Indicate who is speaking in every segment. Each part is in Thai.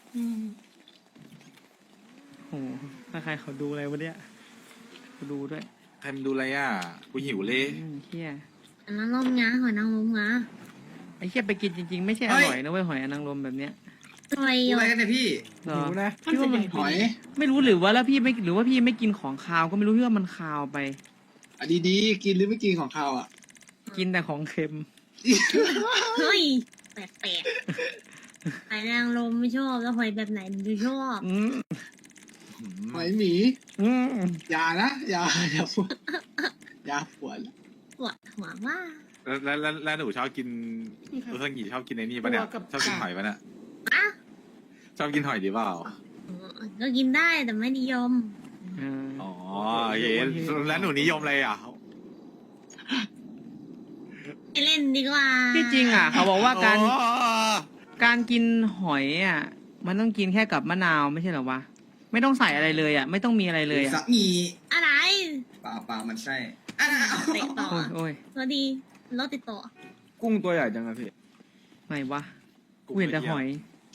Speaker 1: โอ้โหถ้าใครเขาดูอะไรวะเนี่ยเขาดูด้วย
Speaker 2: ใครมันดูอะไรอ่ะกูหิวเลย
Speaker 1: เฮีย
Speaker 3: อันนั้นลมงาหอยนางรมงา
Speaker 1: ไอ้เฮียไปกินจริงๆไม่ใช่อร่อยนะเว้ยหอยนางรมแบบเนี้ย
Speaker 3: หอย
Speaker 4: พูด
Speaker 3: ห
Speaker 4: อะไร
Speaker 3: ย
Speaker 4: กันเนี่ยพี่
Speaker 1: เหรอ
Speaker 5: หิวนะ
Speaker 1: พี่ว่ามัน
Speaker 4: หอย
Speaker 1: ไม่รู้หรือว่าแล้วพี่ไม่หรือว่าพี่ไม่กินของคาวก็ไม่รู้พี่ว่ามันคาวไป
Speaker 4: อ่ะดีๆกินหรือไม่กินของเขาอ่ะ
Speaker 1: กินแต่ของเค็ม
Speaker 3: เฮ้ยแปลกๆหอยนางรมไม่ชอบแล้วหอยแบบไหนดูชอบ
Speaker 1: อืม
Speaker 4: หอยหมี
Speaker 1: อืม
Speaker 4: อย่านะอย่าปวดอย่าปวด
Speaker 3: ปวดหัวว่า
Speaker 2: แล้วหนูชอบกินอุซังิชอบกินไอ้นี่ปะเนี่ยชอบกินหอยปะเนี่ย
Speaker 3: อ่ะ
Speaker 2: ชอบกินหอยดีเปล่า
Speaker 3: ก็กินได้แต่ไม่นิยม
Speaker 2: อ๋อโอเคแล้วหนูนิยมอะไรอ่ะ
Speaker 3: ไม่เล่นดีกว่า
Speaker 1: ที่จริงอ่ะ เขาบอกว่าการ
Speaker 2: อ๋อ
Speaker 1: การกินหอยอ่ะ มันต้องกินแค่กับมะนาวไม่ใช่เหรอวะไม่ต้องใส่อะไรเลยอ่ะ ไม่ต้องมีอะไรเลยอ่ะ
Speaker 4: สักงี
Speaker 3: อะไร
Speaker 4: เปล่ามันใช่อ่ะ
Speaker 3: เตะต่อ
Speaker 1: โอ้ย
Speaker 3: สวัสดีรถติดต่อ
Speaker 5: กุ้งตัวใหญ่จังอะพี่
Speaker 1: ไหนวะกูเห็นแต่หอย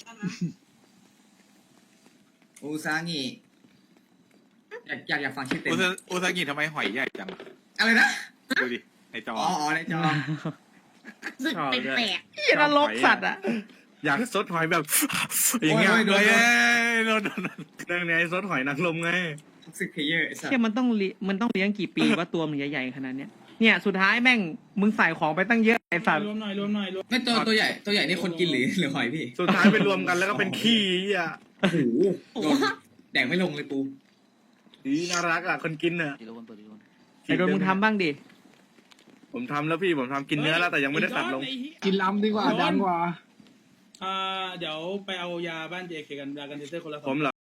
Speaker 4: อูซางิอยากฟังชื่อเต็ม
Speaker 2: อุซังิทำไมหอยใหญ่จัง
Speaker 4: อะไรนะ
Speaker 2: ดูดิในจอ
Speaker 4: อ๋อในจอ
Speaker 3: รู้สึกแปลก
Speaker 1: เหี้ยนรกสัตว์อ่ะ
Speaker 5: อยากซดหอยแบบ อย่างเงี้ย
Speaker 4: โอ้ยโดน
Speaker 2: เอ้ยโดน
Speaker 5: เรื่องนี้ซดหอยนางรมไง
Speaker 4: ท็อกซิกเพลเยอร์ไอ้สัส
Speaker 1: เชี่ยมันต้องเลี้ยงกี่ปีว่าตัวมันใหญ่ๆขนาดเนี้ยเนี่ยสุดท้ายแม่งมึงใส่ของไปตั้งเยอะไอ้สัตว์
Speaker 6: รวมหน่อยรวมหน่อยรวม
Speaker 4: ไม่ตัวใหญ่นี่คนกินหรือหอยพี่
Speaker 5: สุดท้ายไปรวมกันแล้วก็เป็นขี้อ่ะ
Speaker 4: โอ้โหโดนแดงไม่ลงเลยปู
Speaker 5: ดีน่ารักอ่ะคนกินอ่ะ
Speaker 1: ไอ้โดนมึงทำบ้างดิ
Speaker 5: ผมทำแล้วพี่ผมทำกินเนื้อแล้วแต่ยังไม่ได้ตัดลง
Speaker 4: กินลำดีกว่าดังกว่า
Speaker 6: เดี๋ยวไปเอายาบ้าน JK กันยากันเทเซอร์คนละ
Speaker 5: ผมเหรอ